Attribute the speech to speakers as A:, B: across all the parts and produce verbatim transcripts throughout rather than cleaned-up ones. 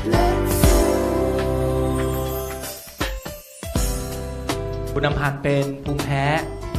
A: คุณอำพันธ์เป็นภูมิแพ้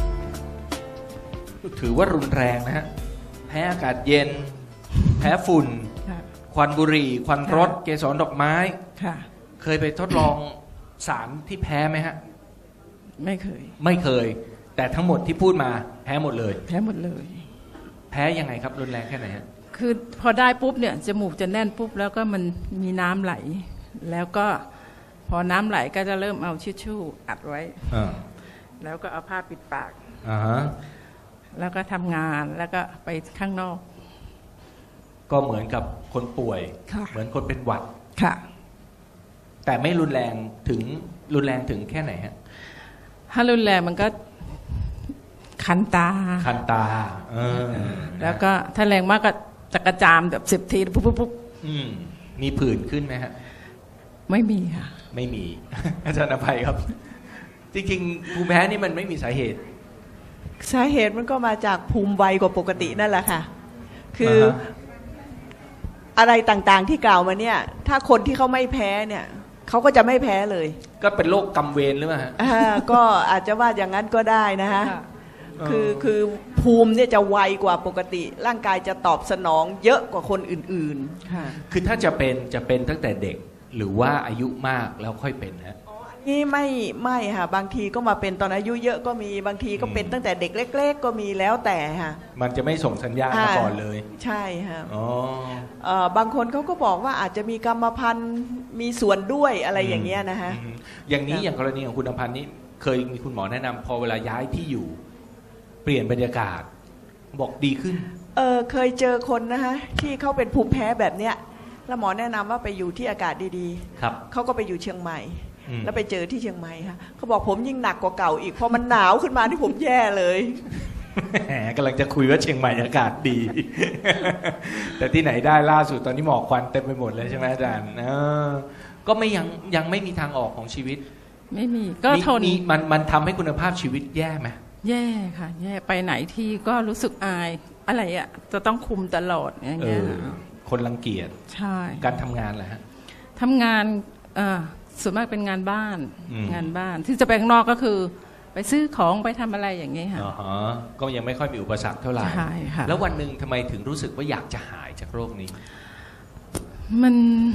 A: ถือว่ารุนแรงนะฮะแพ้อากาศเย็นแพ้ฝุ่นควันบุหรี่ควันรถเกสรดอกไม้เคยไปทดลองสารที่แพ้ไหมฮะ
B: ไม่เคย
A: ไม่เคยแต่ทั้งหมดที่พูดมาแพ้หมดเลย
B: แพ้หมดเลย
A: แพ้ยังไงครับรุนแรงแค่ไหนฮะ
B: คือพอได้ปุ๊บเนี่ยจมูกจะแน่นปุ๊บแล้วก็มันมีน้ำไหลแล้วก็พอน้ำไหลก็จะเริ่มเอาชิชชู่อัดไว้แล้วก็เอาผ้าปิดปากแล้วก็ทำงานแล้วก็ไปข้างนอก
A: ก็เหมือนกับคนป่วยเหมือนคนเป็นหวัด
B: ค่ะ
A: แต่ไม่รุนแรงถึงรุนแรงถึงแค่ไหนฮะ
B: ถ้ารุนแรงมันก็คันตา
A: คันตาเออ
B: แล้วก็ถ้าแรงมากก็จะกระจามแบบสิบทีปุ๊บปุ๊บปุ๊บ
A: มีผื่นขึ้นไหมฮะ
B: ไม่มีค่ะ
A: ไม่มีอาจารย์อภัยครับจริงๆภูมิแพ้นี่มันไม่มีสาเหตุ
C: สาเหตุมันก็มาจากภูมิไวกว่าปกตินั่นแหละค่ะคืออะไรต่างๆที่กล่าวมาเนี่ยถ้าคนที่เขาไม่แพ้เนี่ยเขาก็จะไม่แพ้เลย
A: ก็เป็นโรคกำเวรหรือเปล่าฮะ
C: ก็อาจจะว่าอย่างนั้นก็ได้นะฮะคือคือภูมิเนี่ยจะไวกว่าปกติร่างกายจะตอบสนองเยอะกว่าคนอื่น
A: ๆคือถ้าจะเป็นจะเป็นตั้งแต่เด็กหรือว่าอายุมากแล้วค่อยเป็นฮะ
C: นี่ไม่ไม่ค่ะบางทีก็มาเป็นตอนอายุเยอะก็มีบางทีก็เป็นตั้งแต่เด็กเล็กๆก็มีแล้วแต่ค่ะ
A: มันจะไม่ส่งสัญญาณมาก่อนเลย
C: ใช่ค่ะอ๋อบางคนเขาก็บอกว่าอาจจะมีกรรมพันธุ์มีส่วนด้วยอะไรอย่างเงี้ยนะฮะ
A: อย่างนี้อย่างกรณีของคุณอำพันธ์นี้เคยมีคุณหมอแนะนำพอเวลาย้ายที่อยู่เปลี่ยนบรรยากาศบอกดีขึ้น
C: เออเคยเจอคนนะฮะที่เขาเป็นภูมิแพ้แบบเนี้ยแล้วหมอแนะนำว่าไปอยู่ที่อากาศดี
A: ๆครับ
C: เขาก็ไปอยู่เชียงใหม่แล้วไปเจอที่เชียงใหม่ค่ะเขาบอกผมยิ่งหนักกว่าเก่าอีกพอมันหนาวขึ้นมาที่ผมแย่เลย
A: แหมกำลังจะคุยว่าเชียงใหม่อากาศดี แต่ที่ไหนได้ล่าสุดตอนนี้หมอกควันเต็มไปหมดเลยใช่ไหมอาจารย์ก็ไม่ยังยังไม่มีทางออกของชีวิต
B: ไม่มีก็ทน
A: มันมันทำให้คุณภาพชีวิตแย่ไหม
B: แย่ค่ะแย่ไปไหนที่ก็รู้สึกอายอะไรอ่ะจะต้องคุมตลอดอย่างเงี้ย
A: คนรังเกียจ
B: ใช่
A: การทำงานแหละฮะ
B: ทำงานเออส่วนมากเป็นงานบ้านงานบ้านที่จะไปข้างนอกก็คือไปซื้อของไปทำอะไรอย่างนี้ค่ะ
A: อ๋อก็ยังไม่ค่อยมีอุปสรรคเท่าไหร่
B: ใช่ค่ะ
A: แล้ววันหนึ่งทำไมถึงรู้สึกว่าอยากจะหายจากโรคนี้
B: มัน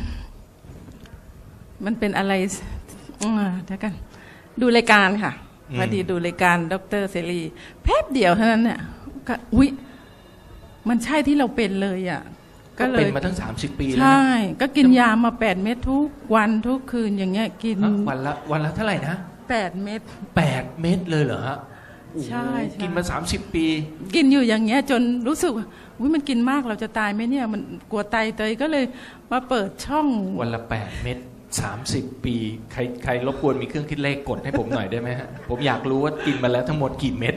B: มันเป็นอะไรเดี๋ยวกันดูรายการค่ะพอดีดูรายการดร.เสรีแป๊บเดียวเท่านั้นเนี่ยก็อุ๊ยมันใช่ที่เราเป็นเลยอ่ะ
A: ก็เป็นมาตั้งสามสิบปีแล้ว
B: ใช่ก็กินยามาแปดเม็ดทุกวันทุกคืนอย่างเงี้ยกิน
A: วันละวันละเท่าไหร่นะ
B: แปดเม็ด
A: แปดเม็ดเลยเหรอฮะ
B: ใช่
A: กินมาสามสิบปี
B: กินอยู่อย่างเงี้ยจนรู้สึกว่าอุ๊ยมันกินมากเราจะตายไหมเนี่ยมันกลัวไตเตยก็เลยมาเปิดช่อง
A: วันละแปดเม็ดสามสิบปีใครใครรบกวนมีเครื่องคิดเลขกดให้ผมหน่อยได้ไหมฮะผมอยากรู้ว่ากินมาแล้วทั้งหมดกี่เม็ด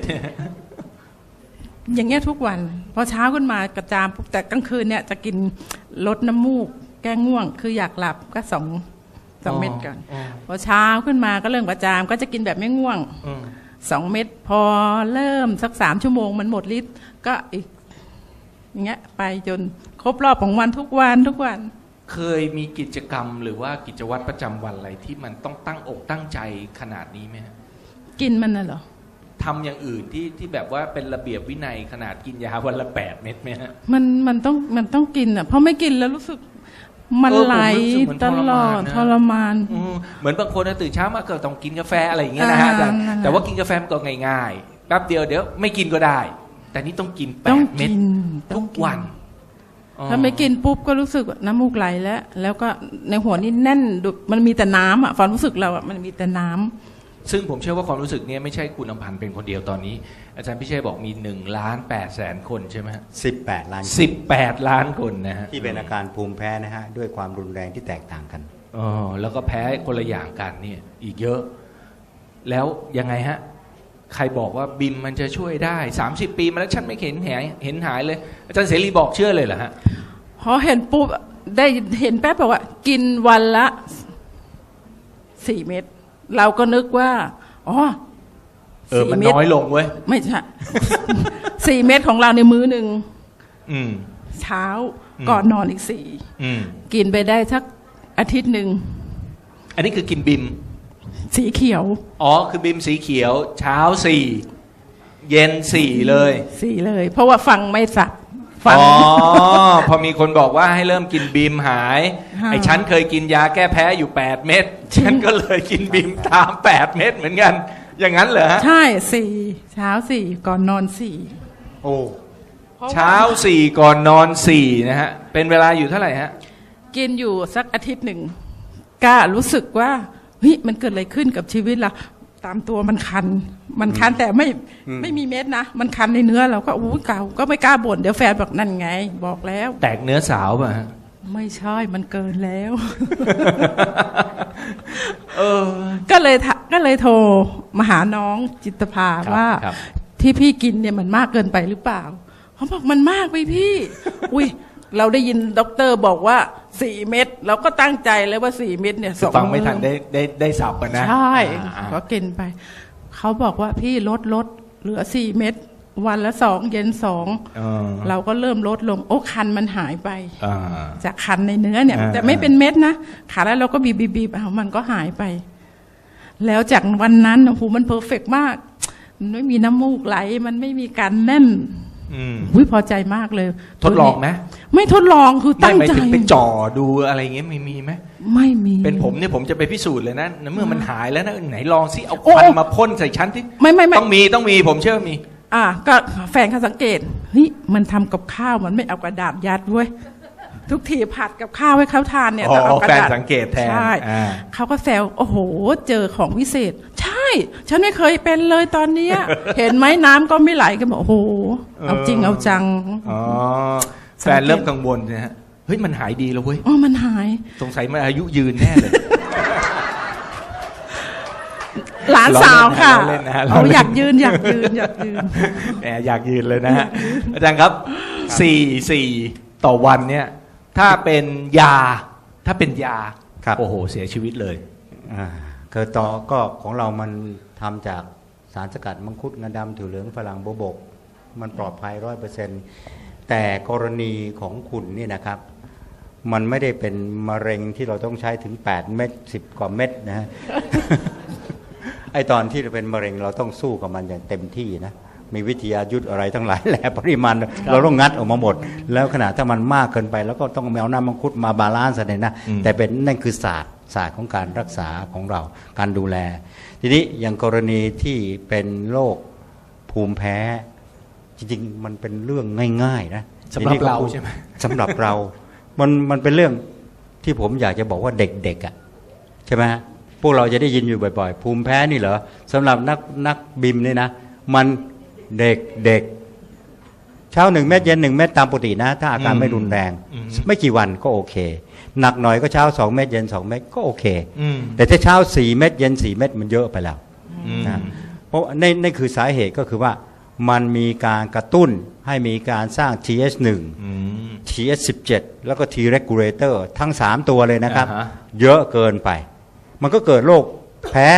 B: อย่างเงี้ยทุกวันพอเช้าขึ้นมากระจามปุ๊บแต่กลางคืนเนี่ยจะกินลดน้ำมูกแก้ง่วงคืออยากหลับก็สองสองเม็ดก่อนพอเช้าขึ้นมาก็เริ่มกระจามก็จะกินแบบไม่ง่วงสองเม็ดพอเริ่มสักสามชั่วโมงมันหมดฤทธิ์ก็อีกอย่างเงี้ยไปจนครบรอบของวันทุกวันทุกวัน
A: เคยมีกิจกรรมหรือว่ากิจวัตรประจำวันอะไรที่มันต้องตั้งอกตั้งใจขนาดนี้ไหมฮะ
B: กินมันน่ะเหรอ
A: ทำอย่างอื่นที่ที่แบบว่าเป็นระเบียบวินัยขนาดกินยาวันละแปดเม็ดไหมฮะ
B: มันมันต้องมันต้องกินอ่ะเพราะไม่กินแล้วรู้สึกมันไหลตลอดทรมาน
A: เหมือนบางคนตื่นเช้ามาก็ต้องกินกาแฟอะไรอย่างเงี้ยนะฮะแต่ว่ากินกาแฟมันก็ง่ายๆแป๊บเดียวเดี๋ยวไม่กินก็ได้แต่นี่ต้องกินแปดเม็ดทุกวัน
B: ถ้าไม่กินปุ๊บก็รู้สึกน้ำมูกไหลแล้วแล้วก็ในหัวนี่แน่นมันมีแต่น้ำอ่ะความรู้สึกเราอ่ะมันมีแต่น้ำ
A: ซึ่งผมเชื่อว่าความรู้สึกนี้ไม่ใช่คุณอำพันธ์เป็นคนเดียวตอนนี้อาจารย์พิเชษบอกมีหนึ่งล้านแปดแสนคนใช่ไหมฮะ
D: สิบแปดล้าน
A: สิบแปดล้านคนนะฮะ
D: ที่เป็นอาการภูมิแพ้นะฮะด้วยความรุนแรงที่แตกต่างกัน
A: อ๋อแล้วก็แพ้คนละอย่างกันนี่อีกเยอะแล้วยังไงฮะใครบอกว่าบิมมันจะช่วยได้สามสิบปีมาแล้วฉันไม่เห็นหายเห็นหายเลยอาจารย์เสรีบอกเชื่อเลยเหรอฮะ
B: พอเห็นปุ๊บได้เห็นแป๊บบอกว่ากินวันละสี่เม็ดเราก็นึกว่าอ๋อ
A: เออมันน้อยลงเว้ย
B: ไม่ใช่สี่เม็ดของเราในมื้อหนึ่งเช้าก่อนนอนอีกสี่กินไปได้สักอาทิตย์หนึ่ง
A: อันนี้คือกินบิม
B: สีเขียว
A: อ๋อคือบิมสีเขียวเช้าสี่เย็นสี่เลย
B: สีเลย เพราะว่าฟังไม่สับฟัง
A: อ๋อพอมีคนบอกว่าให้เริ่มกินบิมหาย
B: ค่ะ
A: ไอ้ฉันเคยกินยาแก้แพ้อยู่แปดเม็ดฉันก็เลยกินบิมตามแปดเม็ดเหมือนกัน อย่างนั้นเหรอฮะ
B: ใช่สี่เช้าสี่ก่อนนอนสี่
D: โอ้
A: เช้าสี่ก่อนนอนสี่นะฮะเป็นเวลาอยู่เท่าไหร่ฮะ
B: กินอยู่สักอาทิตย์หนึ่งก็รู้สึกว่าเฮ้ยมันเกิดอะไรขึ้นกับชีวิตเราตามตัวมันคัน มันคันแต่ไม่ไม่มีเม็ดนะ มันคันในเนื้อเราก็อู้เก่าก็ไม่กล้าบ่นเดี๋ยวแฟนบอกนั่นไง บอกแล้ว
A: แตกเนื้อสาวป่ะฮะ
B: ไม่ใช่มันเกินแล้ว
A: เออ
B: ก็เลยทะก็เลยโทรมาหาน้องจิตภา
A: ครับ
B: ว่า
A: ครับ
B: ที่พี่กินเนี่ยมันมากเกินไปหรือเปล่าเขาบอกมันมากไปพี่ อุ้ยเราได้ยินด็อกเตอร์บอกว่าสี่เม็ดเราก็ตั้งใจแล้วว่าสี่เม็ดเนี่ย
A: คือฟังไม่ทันได้ได้ได้สับกันนะ
B: ใช่
A: อ่า
B: ก็กินไปเขาบอกว่าพี่ลดลดเหลือสี่เม็ดวันละสองเย็นสอง
A: เออ
B: เราก็เริ่มลดลงโอ้คันมันหายไป
A: อ่า
B: จากคันในเนื้อเนี่ย
A: อ่า
B: แต่ไม่เป็นเม็ดนะขาแล้วเราก็บีบบีบบีบเอามันก็หายไป แล้วจากวันนั้นโอ้โหมันเพอร์เฟกต์มาก มันไม่มีน้ำมูกไหล มันไม่มีการแน่น
A: อืม
B: อุ้ยพอใจมากเลย
A: ทดลองไหม
B: ไม่ทดลองคือ
A: ไม่
B: ตั้ง
A: หมาย
B: ใจ
A: ถึงไปจ่อดูอะไรอย่างเงี้ยมีมีไหม
B: ไม่มี
A: เป็นผมเนี่ยผมจะไปพิสูจน์เลยนะเมื่อมันหายแล้วนะไหนลองสิเอา
B: โอ้
A: ควันมาพ่นใส่ชั้นที่
B: ไม่ไม่ไม่
A: ต้องมีต้องมีผมเชื่อมี
B: อ่ะก็แฟนเขาสังเกตเฮ้ยมันทำกับข้าวมันไม่เอากระดาษยัดเว้ยทุกทีผัดกับข้าวให้เขาทานเนี่ย
A: อ๋อ
B: ต้องเอากระดาษ
A: แฟนสังเกตแทน
B: ใช่
A: อ่า
B: เขาก็แซวโอ้โห เจอของวิเศษ ใช่ ฉันไม่เคยเป็นเลยตอนเนี้ย เห็นไหมน้ำก็ไม่ไหลก็บอกโอ้โหเอาจริงเอาจัง
A: อ๋อแฟนเริ่มกังวลนะฮะเฮ้ยมันหายดีแล้วเว้ย
B: อ๋อมันหาย
A: สงสัยมันอายุยืนแน่เลย
B: หลานสาวค่ะ
A: เราเล่นนะฮะเรา
B: เอา
A: เล่น
B: อยากยืนอยากยืนอยากยืน
A: แหมอยากยืนเลยนะฮะอาจารย์ครับสี่สี่ต่อวันเนี่ยถ้าเป็นยาถ้าเป็นยา
D: ครับ
A: โอ้โหเสียชีวิตเลย
D: อ่าคือต่อก็ของเรามันทำจากสารสกัดมังคุดงาดำถั่วเหลืองฝรั่งโบวบก มันปลอดภัยร้อยเปอร์เซ็นต์แต่กรณีของคุณนี่นะครับ มันไม่ได้เป็นมะเร็งที่เราต้องใช้ถึงแปดเม็ดสิบกว่าเม็ดนะฮะ ไอตอนที่เราเป็นมะเร็งเราต้องสู้กับมันอย่างเต็มที่นะมีวิทยายุทธอะไรทั้งหลายแหละปริมาณเราต้องงัดออกมาหมด แล้วขนาดถ้ามันมากเกินไป แล้วก็ต้องเอาน้ำมังคุดมาบาลานซ์เลยนะ
A: อืม
D: แต่เป็นนั่นคือศาสตร์ศาสตร์ของการรักษาของเราการดูแล ทีนี้อย่างกรณีที่เป็นโรคภูมิแพ้ จริงๆมันเป็นเรื่องง่ายๆนะ
A: สำหรับ
D: ทีนี้ก็
A: เราใช่ไหม
D: สำหรับเรา มันมันเป็นเรื่องที่ผมอยากจะบอกว่าเด็กๆอ่ะใช่ไหมฮะพวกเราจะได้ยินอยู่บ่อยๆ ภูมิแพ้นี่เหรอสำหรับนักนักบิมเนี่ยนะมันเด็กเด็กเช้าหนึ่งเม็ดเย็นหนึ่งเม็ดตามปกตินะ ถ้าอาการไม่รุนแรง
A: อืม
D: ไม่กี่วันก็โอเค หนักหน่อยก็เช้าสองเม็ดเย็นสองเม็ดก็โอเค
A: อืม
D: แต่ถ้าเช้าสี่เม็ดเย็นสี่เม็ดมันเยอะไปแล้ว
A: อืม
D: นะเพราะในในคือสาเหตุก็คือว่ามันมีการกระตุ้นให้มีการสร้าง ที เอช หนึ่ง
A: อืม
D: ที เอช สิบเจ็ด แล้วก็ T regulator ทั้งสามตัวเลยนะครับ
A: อ่าฮะ
D: เยอะเกินไป มันก็เกิดโรคแพ้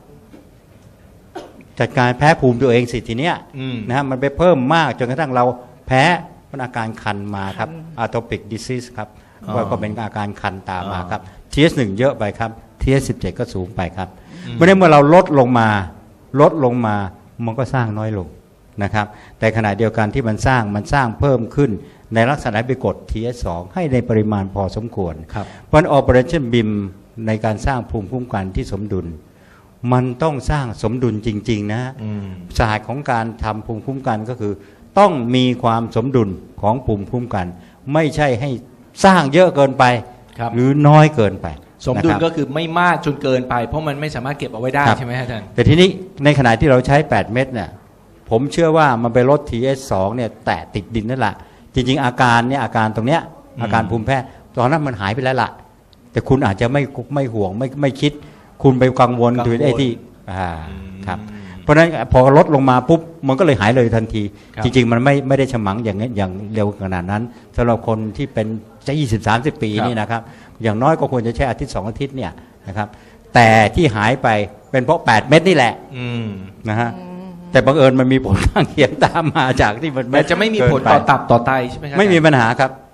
D: จัดการแพ้ภูมิตัวเองสิทีเนี้ย
A: อืม
D: นะฮะมันไปเพิ่มมากจนกระทั่งเราแพ้มันอาการคันมาครับ atopic disease ครับ
A: อ๋อ
D: ว่าก็เป็นอาการคันตามมา
A: อ๋อ
D: ครับ ที เอช หนึ่ง เยอะไปครับ ที เอช สิบเจ็ด ก็สูงไปครับเมื่อเมื่อเราลดลงมาลดลงมามันก็สร้างน้อยลงนะครับ แต่ขณะเดียวกันที่มันสร้างมันสร้างเพิ่มขึ้นในลักษณะไปกด ที เอช สอง ให้ในปริมาณพอสมควร
A: ครับ
D: เพราะ Operation บี เอ เอ็ม ในการสร้างภูมิคุ้มกันที่สมดุล มันต้องสร้างสมดุลจริงๆนะ
A: อืม
D: ศาสตร์ของการทำภูมิคุ้มกันก็คือ ต้องมีความสมดุลของภูมิคุ้มกัน ไม่ใช่ให้สร้างเยอะเกินไป
A: ครับ
D: หรือน้อยเกินไป
A: สมดุล
D: นะครับ
A: ก็คือไม่มากจนเกินไป เพราะมันไม่สามารถเก็บเอาไว้ได้
D: ครับ
A: ใช่ไหมฮะอาจารย์
D: แต่ทีนี้ในขณะที่เราใช้ แปด เม็ดเนี่ยผมเชื่อว่ามันไปลด ที เอช สอง เนี่ยแตะติดดินนั่นแหละจริงๆอาการเนี่ยอาการตรงเนี้ย
A: อืม
D: อาการภูมิแพ้ตอนนั้นมันหายไปแล้วล่ะ แต่คุณอาจจะไม่ไม่ห่วงไม่ไม่คิด คุณไปกังวลถึงไอ้ที่อ่าครับเพราะฉะนั้นพอลดลงมาปุ๊บมันก็เลยหายเลยทันที
A: ครับ
D: จริงๆมันไม่ไม่ได้ฉมังอย่างนี้อย่างเร็วขนาดนั้นสำหรับคนที่เป็นจะยี่สิบสามสิบปีนี่นะครับอย่างน้อยก็ควรจะใช้อาทิตย์สองอาทิตย์เนี่ยนะครับแต่ที่หายไปเป็นเพราะแปดเม็ดนี่แหละ
A: อืม
D: นะฮะแต่บังเอิญมันมีผลข้างเคียงตามมาจากที่มัน
A: แต่จะไม่มีผล
D: เกินไป
A: ต่อตับต่อไตใช่ไหมครับ
D: ไม่มีปัญหาครับ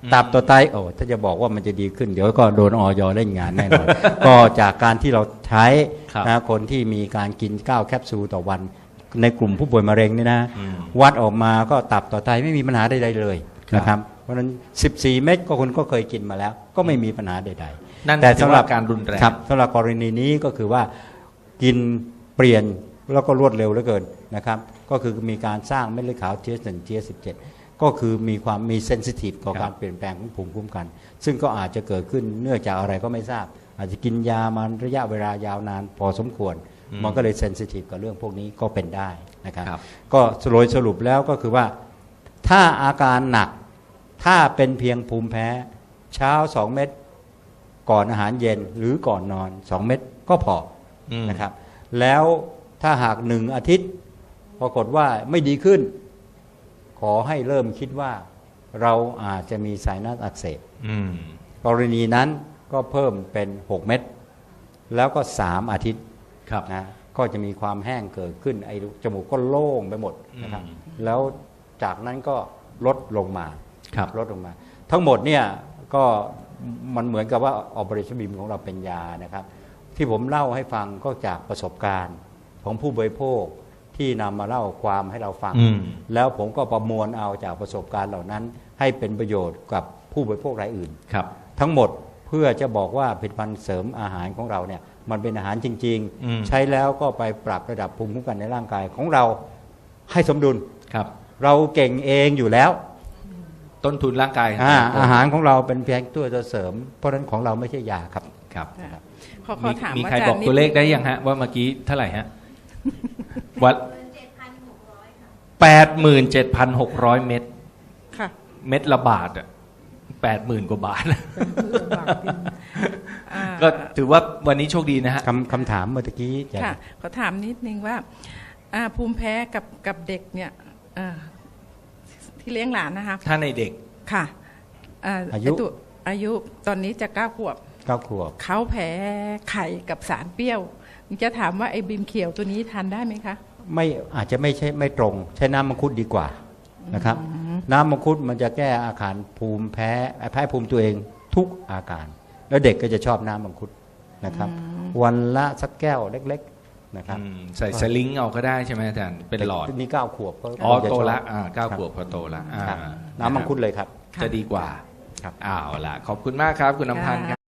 D: ตับต่อไตโอ้ถ้าจะบอกว่ามันจะดีขึ้นเดี๋ยวก็โดนอยเล่นงานแน่นอน ก็จากการที่เราใช้
A: ครับ
D: นะคนที่มีการกินเก้าแคปซูลต่อวันในกลุ่มผู้ป่วยมะเร็งนี่นะ
A: อืม
D: วัดออกมาก็ตับต่อไตไม่มีปัญหาใดๆเลย
A: ครับ
D: นะครับเพราะฉะนั้นสิบสี่เม็ดก็คุณก็เคยกินมาแล้ว ก็ไม่มีปัญหาใดๆ
A: นั่น
D: แต่
A: ถือ
D: สำหรับ
A: ว่าการรุนแรง
D: ครับสำหรับกรณีนี้ก็คือว่ากินเปลี่ยนแล้วก็รวดเร็วเหลือเกินนะครับก็คือมีการสร้างเม็ดเลือดขาว ที เอส หนึ่ง ที เอส สิบเจ็ด ก็คือมีความมีเซนซิทีฟต่อ
A: ครับ
D: การเปลี่ยนแปลงของภูมิคุ้มกัน ซึ่งก็อาจจะเกิดขึ้นเนื่องจากอะไรก็ไม่ทราบ อาจจะกินยามาระยะเวลายาวนานพอสมควร มันก็เลยเซนซิทีฟกับเรื่องพวกนี้ก็เป็นได้นะครับ
A: ครับ
D: ก็โดยสรุปแล้วก็คือว่าถ้าอาการหนักถ้าเป็นเพียงภูมิแพ้เช้าสองเม็ดก่อนอาหารเย็นหรือก่อนนอนสองเม็ดก็พอ
A: อืม
D: นะครับแล้วถ้าหากหนึ่งอาทิตย์ปรากฏว่าไม่ดีขึ้น ขอให้เริ่มคิดว่าเราอาจจะมีไซนัสอักเสบ
A: อืม
D: กรณีนั้นก็เพิ่มเป็นหกเม็ดแล้วก็สามอาทิตย์
A: ครับ
D: นะก็จะมีความแห้งเกิดขึ้นไอ้จมูกก็โล่งไปหมดนะครับ
A: อืม
D: แล้วจากนั้นก็ลดลงมา
A: ครับ
D: ลดลงมา ทั้งหมดเนี่ยก็มันเหมือนกับว่าออ เปอเรชั่น บี เอ็ม ของเราเป็นยานะครับ ที่ผมเล่าให้ฟังก็จากประสบการณ์ของผู้บริโภคที่นำมาเล่าความให้เราฟัง
A: อืม
D: แล้วผมก็ประมวลเอาจากประสบการณ์เหล่านั้น ให้เป็นประโยชน์กับผู้บริโภครายอื่น
A: ครับ
D: ทั้งหมดเพื่อจะบอกว่าผลิตภัณฑ์เสริมอาหารของเราเนี่ยมันเป็นอาหารจริง
A: อืม
D: ๆ ใช้แล้วก็ไปปรับระดับภูมิคุ้มกันในร่างกายของเราให้สมดุล
A: ครับ
D: เราเก่งเองอยู่แล้ว
A: ต้นทุนร่างกาย
D: อา
A: ของ
D: อาหารของเราเป็นเพียงตัวเสริม เพราะฉะนั้นของเราไม่ใช่ยาครับ
A: ครับ
B: ขอขอ
A: มี
B: ถาม
A: มี
B: อา
A: ใคร
B: จาร
A: บอก
B: ย์นิด
A: ตัวเลขได้ยังฮะ ว่าเมื่อกี้เท่าไหร่ฮะ วัดแปดหมื่นเจ็ดพันหกร้อยเม็ด
B: ค่ะ
A: เม็ดละบาทอ่ะแปดหมื่นกว่าบาท
B: อ่า
A: ก็ถือว่าวันนี้โชคดีนะฮะ
D: คำคำถามเมื่อกี้จะ
B: ค่ะขอถามนิดนึงว่าอ่าภูมิแพ้กับกับเด็กเนี่ยอ่าที่เลี้ยงหลานนะคะ
A: ถ้าในเด็ก
B: ค่ะา
D: อายุ
B: ไตัวอายุตอนนี้จะเก้าขวบ
D: เก้าขวบ
B: เขาแพ้ไข่กับสารเปรี้ยวจะถามว่าไอ้บิมเขียวตัวนี้ทานได้ไหมคะ
D: ไม่อาจจะไม่ใช่ไม่ตรง ใช้น้ำมังคุดดีกว่านะครับ น้ำมังคุดมันจะแก้อาการภูมิแพ้แพ้ภูมิตัวเองทุกอาการ แล้วเด็กก็จะชอบน้ำมังคุดนะครับ วันละสักแก้วเล็กๆนะครับ
A: อืมใส่สลิงเอาก็ได้ใช่ไหมอาจารย์ เป็นหลอด
D: นี่เก้าขวบก็
A: อ๋อ
D: จะ
A: โต
D: ชบ
A: ละอ่าเก้า
D: ครับ
A: ขวบพอโตละอ่า
D: ครับน้ำมังคุดเลยครับ
A: จะดีกว่า
D: ครับ
A: อ้าวล่ะ ขอบคุณมากครับ คุณน้ำพันธ์ครับ